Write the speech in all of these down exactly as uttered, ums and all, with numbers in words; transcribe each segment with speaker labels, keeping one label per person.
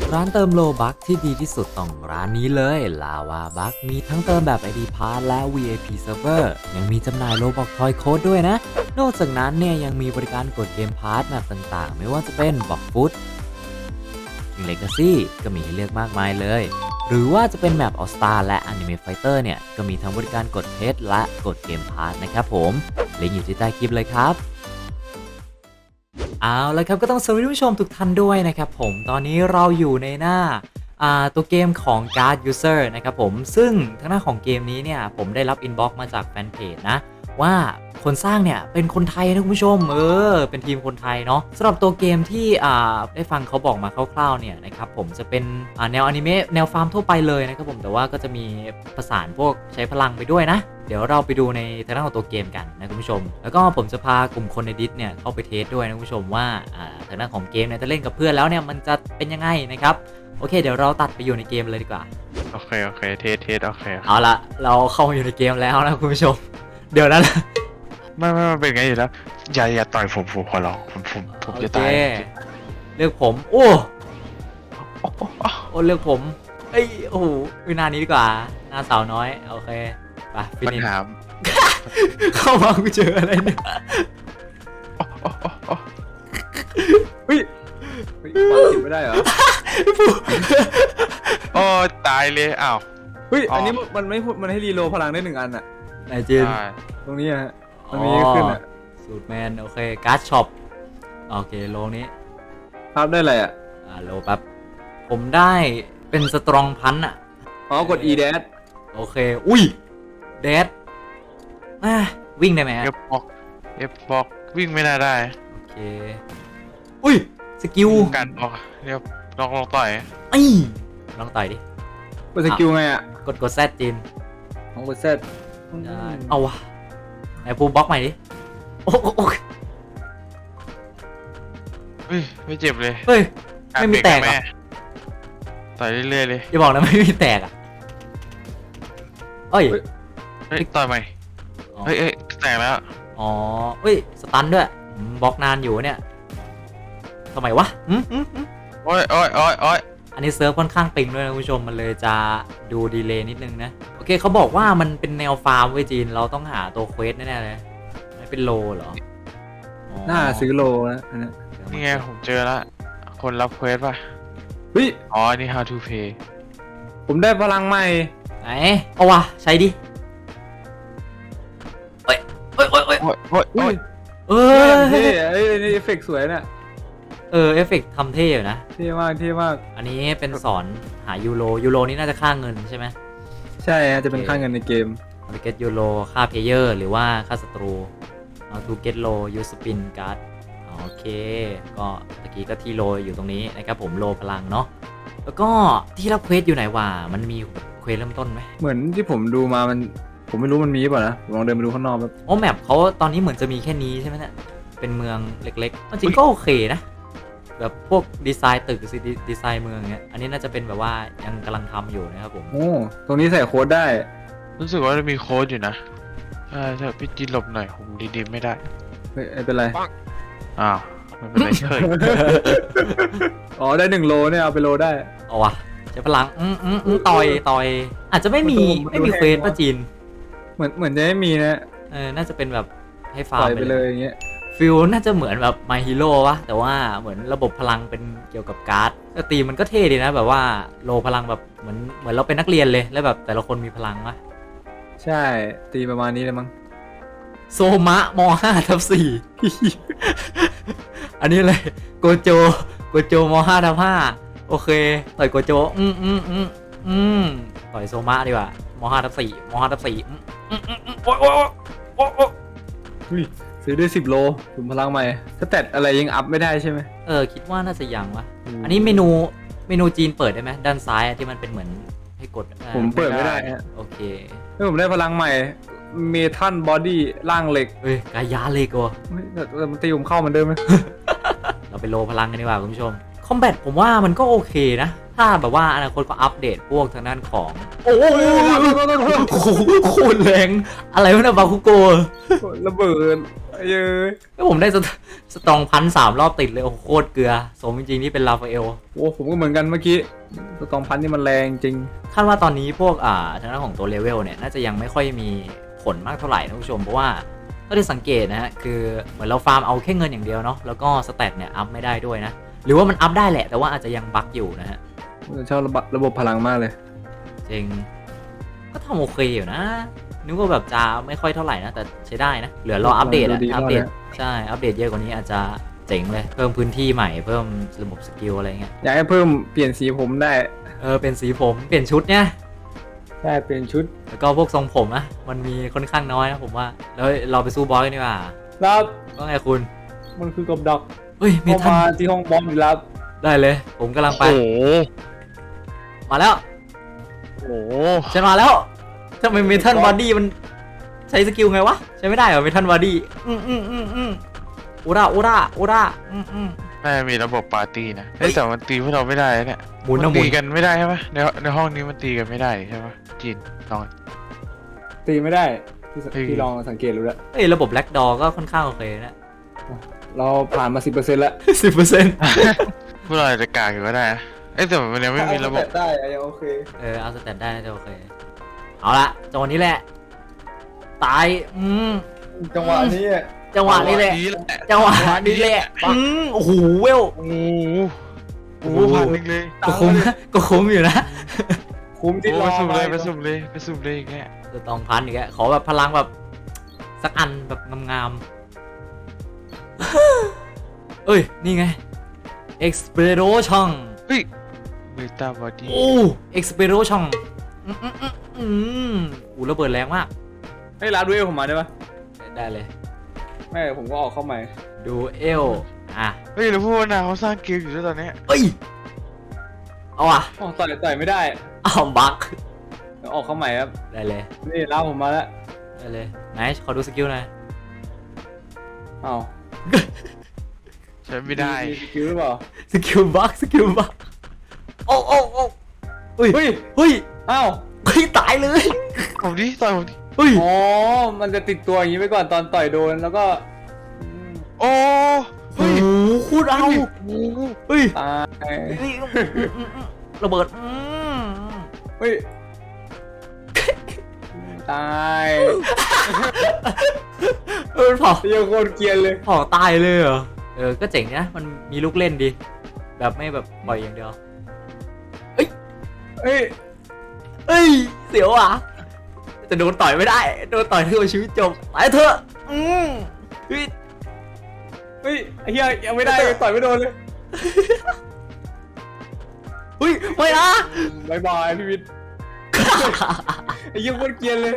Speaker 1: ร้านเติมโลบัคที่ดีที่สุดต้องร้านนี้เลยลาวาบัคมีทั้งเติมแบบ ไอ ดี Pass และ วี ไอ พี Server ยังมีจำหน่ายโลบอกทอยโค้ดด้วยนะนอกจากนั้นเนี่ยยังมีบริการกดเกมพาร์ทแมปต่างๆไม่ว่าจะเป็นบอกฟุตคิงเลกาซี่ก็มีให้เลือกมากมายเลยหรือว่าจะเป็นแมปออสตาและ Anime Fighter เนี่ยก็มีทั้งบริการกดเพชรและกดเกมพาร์ทนะครับผมลิงก์อยู่ที่ใต้คลิปเลยครับเอาละครับก็ต้องสวัสดีผู้ชมทุกท่านด้วยนะครับผมตอนนี้เราอยู่ในหน้าตัวเกมของ Guard User นะครับผมซึ่งทางหน้าของเกมนี้เนี่ยผมได้รับอินบ็อกซ์มาจากแฟนเพจนะว่าคนสร้างเนี่ยเป็นคนไทยนะคุณผู้ชมเออเป็นทีมคนไทยเนาะสำหรับตัวเกมที่อ่าได้ฟังเขาบอกมาคร่าวๆเนี่ยนะครับผมจะเป็นอ่าแนวอนิเมะแนวฟาร์มทั่วไปเลยนะครับผมแต่ว่าก็จะมีผสานพวกใช้พลังไปด้วยนะเดี๋ยวเราไปดูในทางด้านของตัวเกมกันนะคุณผู้ชมแล้วก็ผมจะพากลุ่มคนในดิสเนี่ยเข้าไปเทสด้วยนะคุณผู้ชมว่าอ่าทางด้านของเกมเนี่ยจะเล่นกับเพื่อนแล้วเนี่ยมันจะเป็นยังไงนะครับโอเคเดี๋ยวเราตัดไปอยู่ในเกมเลยดีกว่า
Speaker 2: โอเคโอเคเทสเทสโอเค
Speaker 1: เอาละเราเข้ามาอยู่ในเกมแล้วนะคุณผู้ชมเดี๋ยวนั้น
Speaker 2: ไม่ไม่เป็นไงอยู่แล้วอย่าอย่าต่อยผมผมขอร้องผมผมผมจะตาย
Speaker 1: เลือกผมโอ้โอ้เลือกผมเอ้ยโอ้โหวินานี้ดีกว่าหน้าสาวน้อยโอเคไปฟินิชเข้ามากูเจออะไรเนี่ย
Speaker 3: เฮ้ยไม่ได้เหรอ
Speaker 2: โอ้ตายเลยอ้าว
Speaker 3: เฮ้ยอันนี้มันไม่มันให้รีโหลดพลังได้หนึ่งอันอะ
Speaker 1: ไหนจีน
Speaker 3: ตรงนี้ฮะมันมีขึ้นอะ
Speaker 1: สูตรแมนโอเคการ์ดช็อปโอเคโลนี้
Speaker 3: ภาพได้อะไรอะ
Speaker 1: อ่าโลแป๊บผมได้เป็นสตรองพันอะ
Speaker 3: อ๋อกด E แดด
Speaker 1: โอเคอุ้ยแดดอ่ะวิ่งได้ไหม
Speaker 2: เอฟบอกเอฟบอกวิ่งไม่น่าได้
Speaker 1: โอเคอุ้ยสกิล
Speaker 2: กันออกเดี๋ยวลองลองต่อย
Speaker 1: ไอ้ลองต่อยดิ
Speaker 3: กดสกิลไงอะ
Speaker 1: กดกดแซดจีน
Speaker 3: ของกดแซด
Speaker 1: เอาวะไหนพูบล็อกใหม่ดิโอ้โอ้
Speaker 2: เฮ้ยไม่เจ็บเลย
Speaker 1: เฮ้ยไม่มีแตกอ่ะ
Speaker 2: ต่อยเรื่อยๆเลย
Speaker 1: อย่าบอกนะไม่มีแตกอ่ะเฮ้ย
Speaker 2: เฮ้ยต่อยใหม่เฮ้ยเฮ้ยแตกแล้ว
Speaker 1: อ๋อเฮ้ยสตันด้วยบล็อกนานอยู่เนี่ยทำไมวะอืมอืม
Speaker 2: โอ้ยโอ้ยโอ้ยโอ้ย
Speaker 1: อันนี้เซิร์ฟค่อนข้างปิงด้วยนะคุณผู้ชมมันเลยจะดูดีเลย์นิดนึงนะโอเคเขาบอกว่ามันเป็นแนวฟาร์มเว้ยจีนเราต้องหาตัวเควสแน่ๆเลยไม่เป็นโลเหรอ
Speaker 3: น่าซื้อโลนะอันนี้
Speaker 2: นี่ไงผมเจอแล้วคนรับเควสป่ะ
Speaker 3: เฮ้ย
Speaker 2: อ๋อนี่ how to pay
Speaker 3: ผมได้พลังใหม่
Speaker 1: ไหนเอาวะใช้ดิเฮ้ยเฮ้ยเฮ้ยเฮ้ย
Speaker 2: เฮ้ยเฮ้ย
Speaker 1: เออ
Speaker 3: เท่เอ้ยนี่เอฟเฟกต์สวยเนี่ย
Speaker 1: เออเอฟเฟกต์ทำเท่อยู่นะ
Speaker 3: เท่มากเท่มาก
Speaker 1: อันนี้เป็นสอนหายูโรยูโรนี่น่าจะค่าเงินใช่ไหม
Speaker 3: ใช่จะเป็นค่าเงินในเกม
Speaker 1: เอาไปเก็ตยูโรค่าเพลเยอร์หรือว่าค่าศัตรูเอาทูเก็ตโลยูสปินการ์ดโอเคก็ตะกี้ก็ที่โลอยู่ตรงนี้นะครับผมโลพลังเนาะแล้วก็ที่รับเควสอยู่ไหนวะมันมีเควสเริ่มต้นไหม
Speaker 3: เหมือนที่ผมดูมามันผมไม่รู้มันมีป่ะนะลองเดินไปดูข้างนอกแบบ
Speaker 1: โอ้แมปเขาตอนนี้เหมือนจะมีแค่นี้ใช่ไหมเนี่ยเป็นเมืองเล็กๆจริงก็โอเคนะแบบพวกดีไซน์ตึกดีไซน์เมืองเงี้ยอันนี้น่าจะเป็นแบบว่ายังกำลังทำอยู่นะครับผม
Speaker 3: โอ้ตรงนี้ใส่โค้ดได้
Speaker 2: รู้สึกว่าจะมีโค้ดอยู่นะใช่ใช่พี่จีนหลบหน่อยผมดีๆไม่ได้
Speaker 3: ไม่เป็นไร
Speaker 2: อ้าวไม่เป็นไรเฉย
Speaker 3: อ๋อได้หนึ่งโลเนี่ยเอาไปโลได้
Speaker 1: เอาวะใช้พลังอืมอืมต่อยต่อยอาจจะไม่มีไม่มีเควสป่ะจีน
Speaker 3: เหมือนเหมือนจะไม่มีนะ
Speaker 1: เออน่าจะเป็นแบบให้ฟาร์ม
Speaker 3: ไปเลยอย่างเงี้ย
Speaker 1: ฟิลน่าจะเหมือนแบบ My Hero วะแต่ว่าเหมือนระบบพลังเป็นเกี่ยวกับการ์ดแต่ตีมันก็เท่ดีนะแบบว่าโลพลังแบบเหมือนเหมือนเราเป็นนักเรียนเลยแล้วแบบแต่ละคนมีพลังวะ
Speaker 3: ใช่ตีประมาณนี้เลยมั้ง
Speaker 1: โซมะม ห้าทับสี่ อันนี้เลยโกโจโกโจม ห้าทับห้าโอเคต่อยโกโจอืมอืมอืมอืมต่อยโซมะดีกว่ามห้าทับสี่มห้าทับสี่อืมอืมอืมโอ้โอ้โอ้โอ้
Speaker 3: ซื้อได้สิบโลถุงพลังใหม่ถ้าแตะอะไรยังอัพไม่ได้ใช่ไหม
Speaker 1: เออคิดว่าน่าจะยังวะอันนี้เมนูเมนูจีนเปิดได้ไหมด้านซ้ายที่มันเป็นเหมือนให้กด
Speaker 3: ผมเปิดไม่ได้ฮะ
Speaker 1: โอเค
Speaker 3: ถ้าผมได้พลังใหม่เมทัลบอดี้ร่างเหล็ก
Speaker 1: เฮ้ยกายาเหล็กวะ
Speaker 3: แต่มันตีผมเข้ามันเดิมไหม
Speaker 1: เราไปโลพลังกันดีกว่าคุณผู้ชมคอมแบทผมว่ามันก็โอเคนะถ้าแบบว่าอนาคตก็อัปเดตพวกทางด้านของโอ้โหโคตรแรงอะไรวะนะบาคุโก
Speaker 3: ระเบิดเย้ย
Speaker 1: แล้วผมได้สตสตรองพันสามรอบติดเลยโอ้โหโคตรเกลือสมจริงๆที่เป็นลาฟาเอล
Speaker 3: โอ้ผมก็เหมือนกันเมื่อกี้สตองพันนี่มันแรงจริง
Speaker 1: คาดว่าตอนนี้พวกอ่าทางด้านของตัวเลเวลเนี่ยน่าจะยังไม่ค่อยมีผลมากเท่าไหร่นะคุณผู้ชมเพราะว่าถ้าได้สังเกตนะฮะคือเหมือนเราฟาร์มเอาแค่เงินอย่างเดียวเนาะแล้วก็สเตตเนี่ยอัพไม่ได้ด้วยนะหรือว่ามันอัพได้แหละแต่ว่าอาจจะยังบั๊กอยู่นะฮะ
Speaker 3: ชอบระบบระบบพลังมากเลย
Speaker 1: จริงก็ทำโอเคอยู่นะนึกว่าแบบจะไม่ค่อยเท่าไหร่นะแต่ใช้ได้นะเหลือรออัปเดตอะ
Speaker 3: ดูดี
Speaker 1: อัปเดต
Speaker 3: มากเลย
Speaker 1: ใช่อัปเดตเยอะกว่านี้อาจจะเจ๋งเลยเพิ่มพื้นที่ใหม่เพิ่มระบบสกิลอะไรเงี้ย
Speaker 3: อยากให้เพิ่มเปลี่ยนสีผมได้
Speaker 1: เออเป็นสีผมเปลี่ยนชุดเนี่ย
Speaker 3: ได้เปลี่ยนชุด
Speaker 1: แล้วก็พวกทรงผมนะมันมีค่อนข้างน้อยนะผมว่าแล้วเราไปสู้บอสกันดีกว่า
Speaker 3: รับ
Speaker 1: ว่าไงคุณ
Speaker 3: มันคือกบดัก
Speaker 1: เฮ้ยมี
Speaker 3: เข้า
Speaker 1: ท่าน
Speaker 3: มาที่ห้องบอมอีกแล้ว
Speaker 1: ได้เลย ผมกำลังไป
Speaker 2: โอ้โห
Speaker 1: มาแล้ว
Speaker 2: โอ้โห
Speaker 1: ฉันมาแล้วทำไมเมทัลบอดี้มันใช้สกิลไงวะใช้ไม่ได้เหรอเมทัลบอดี้อืมอืมอืมอืมอุราอุราอุราอืมอืม
Speaker 2: น่าจะมีระบบปาร์ตี้นะเฮ้ยแต่มันตีพวกเราไม่ได้นะเนี่ย
Speaker 1: หมุน
Speaker 2: มั
Speaker 1: นะ
Speaker 2: น
Speaker 1: หมุ
Speaker 2: ตี
Speaker 1: น
Speaker 2: กันไม่ได้ใช่ไหมในในห้องนี้มันตีกันไม่ได้ใช่ไหมจีนลอง
Speaker 3: ตีไม่ได้ที่
Speaker 2: เฮ้ย
Speaker 3: ที่ลองสังเกตรู้แล้ว
Speaker 1: เอ้ยระบบแบล็กดอก็ค่อนข้างโอเคนะ
Speaker 3: เราผ่านมาสิบเปอร์เซ็นต์แล้ว
Speaker 1: สิบเปอร์เซ็นต์
Speaker 2: พวกเราอาจจะกากอยู่ก็ได้นะเอ้ยแต่มันยังไม่มีระบบ
Speaker 3: ได้ยังโอเค
Speaker 1: เออเอาสแตทได้น่าจะโอเคเอาละจังหวะนี้แหละตายอืม
Speaker 3: จังหวะนี้อะ
Speaker 1: จังหวะนี้แหละ
Speaker 2: นี้แหละ
Speaker 1: จังหวะนี้แหละอืมโอ้โหเวล
Speaker 2: โอ้โหโอ้โหพันหนึ่งเลย
Speaker 1: ก็คุ้มก็คุ้มอยู่นะ
Speaker 3: คุ้มที่
Speaker 2: โอ้
Speaker 3: ร
Speaker 2: ไป
Speaker 3: อ
Speaker 2: สุ่มเลย
Speaker 3: มา
Speaker 2: ไปสุ่มเลยไปสุ่มเลยอย่างเงี้ย
Speaker 1: จะต้องพันอีกแล้วขอแบบพลังแบบสักอันแบบงามๆ เอ้ย นี่ไง Expero ช่อง
Speaker 2: เฮ้ยเบต้าบอดี้
Speaker 1: โอ้ Expero ช่องอืมอืมอืมอืมอู้ระเบิดแรงมาก
Speaker 3: ให้ร้านดูเอลผมมาได้ปะ
Speaker 1: ได้เลย
Speaker 3: ไม่ผมก็ออกเข้าใหม่
Speaker 1: ดูเอลอ่ะ
Speaker 2: เฮ้ยแล้วพวกนาเขาสร้างเกมอยู่ด้วยตอนเนี้ย
Speaker 1: เอ้ย เอาอ่ะ
Speaker 3: อ๋อต่อยต่อยไม่ได้
Speaker 1: เอาบัก
Speaker 3: เดี๋ยวออกเข้าใหม่ครับ
Speaker 1: ได้เลย
Speaker 3: นี่ร้านผมมาแล้ว
Speaker 1: ได้เลยไหนขอดูสกิลหน่อย
Speaker 3: อ้าว
Speaker 2: ใช้ไม่ได้
Speaker 3: มีสกิลหรือเปล่า
Speaker 1: สกิลบักสกิลบักโอ้โอ้โอ้เฮ้ย
Speaker 3: เฮ้ย
Speaker 1: เฮ้ย
Speaker 3: อ้าว
Speaker 1: เฮ้ยตายเลย
Speaker 2: ผมดิต่อยผมดิ
Speaker 1: เฮ้ย
Speaker 3: อ๋อมันจะติดตัวอย่างนี้ไปก่อนตอนต่อยโดนแล้วก็อืม
Speaker 2: โอ้
Speaker 1: โอ้
Speaker 2: เฮ้ย
Speaker 1: โหโคตรเอา
Speaker 2: โอ้โห
Speaker 1: เฮ้ย
Speaker 3: ตาย
Speaker 1: เฮ้ยอืมอืมอืมระเบิดอืม
Speaker 3: เฮ้ยตาย
Speaker 1: เออเผา
Speaker 3: เยี่ยโคตรเกรียนเลย
Speaker 1: เผาตายเลยเหรอเออก็เจ๋งนะมันมีลูกเล่นดีแบบไม่แบบปล่อยอย่างเดียว
Speaker 3: เฮ้ย
Speaker 1: เอ้ยเสียวอ่ะแต่โดนต่อยไม่ได้โดนต่อยเท่าชีวิตจบไปเถอะอืมเฮ้ย
Speaker 3: เฮ้ยไอ้เหี้ยยังไม่ได้ต่อยไม่โดนเลย
Speaker 1: เฮ้ยไม่นะ
Speaker 3: บายบายพี่วิทย์ ไอ้เหี้ยโคตรเกรียนเลย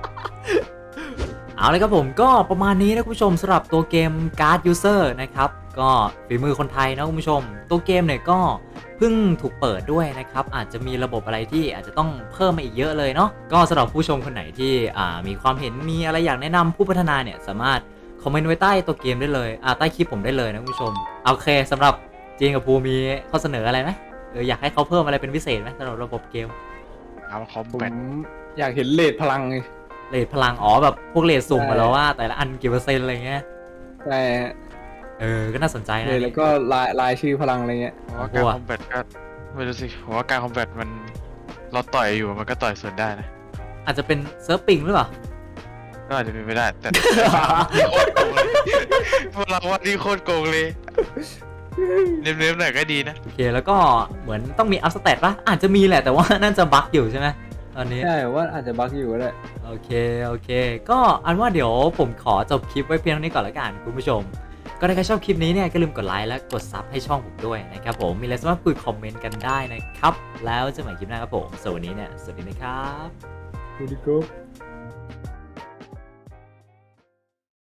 Speaker 1: เอาเลยครับผมก็ประมาณนี้นะคุณผู้ชมสำหรับตัวเกม Guard User นะครับก็ฝีมือคนไทยนะคุณผู้ชม ตัวเกมเนี่ยก็เพิ่งถูกเปิดด้วยนะครับอาจจะมีระบบอะไรที่อาจจะต้องเพิ่มมาอีกเยอะเลยเนาะก็สำหรับผู้ชมคนไหนที่อ่ามีความเห็นมีอะไรอยากแนะนำผู้พัฒนาเนี่ยสามารถคอมเมนต์ไว้ใต้ตัวเกมได้เลยอ่าใต้คลิปผมได้เลยนะคุณผู้ชมโอเคสำหรับจีนกับภูมีข้อเสนออะไรไหมเอออยากให้เขาเพิ่มอะไรเป็นพิเศษไหมสำหรับระบบเกม
Speaker 2: เอาคอม
Speaker 3: ผม
Speaker 2: แบท
Speaker 3: อยากเห็นเลดพลังไง
Speaker 1: เรทพลังอ๋อแบบพวกเรทสุ่ม
Speaker 3: ใช่
Speaker 1: มาแล้วว่าแต่ละอันกี่เปอร์เซ็นต์อะไรเงี้ย
Speaker 3: ใช่ฮะ
Speaker 1: เออก็น่าสนใจ
Speaker 3: เล
Speaker 1: นะ
Speaker 3: ดแล้วก็ลายลายชื่อพลังอะไรเงี้ย
Speaker 2: ผมว่าการคอมแบทก็ไม่รู้สิผมว่าการคอมแบทมันเราต่อยอยู่มันก็ต่อยสวนได้นะ
Speaker 1: อาจจะเป็นเซิร์ฟปิงหรือเปล่า
Speaker 2: ก็อาจจะเป็นไปได้แต่ นี่โคตรโกงเลยพวกเราว่านี่โคตรโกงเลยเน้มๆหน่อยก็ดีนะ
Speaker 1: โอเคแล้วก็เหมือนต้องมีอัพสเตตป่ะอาจจะมีแหละแต่ว่าน่าจะบั๊กอยู่ใช่ไหมตอนนี้
Speaker 3: ใช่ว่าอาจจะบั๊กอยู่ก็ได้
Speaker 1: โอเคโอเค ก็อันว่าเดี๋ยวผมขอจบคลิปไว้เพียงเท่านี้ก่อนละกันคุณผู้ชม ก็ถ้าใครชอบคลิปนี้เนี่ยก็ลืมกดไลค์และกดซับให้ช่องผมด้วยนะครับผมมีอะไรสามารถคุยคอมเมนต์กันได้นะครับแล้วเจอกันใหม่คลิปหน้าครับผมสวัสดีเนี่ยสวัสดีนะครับ
Speaker 3: ดูดิโก้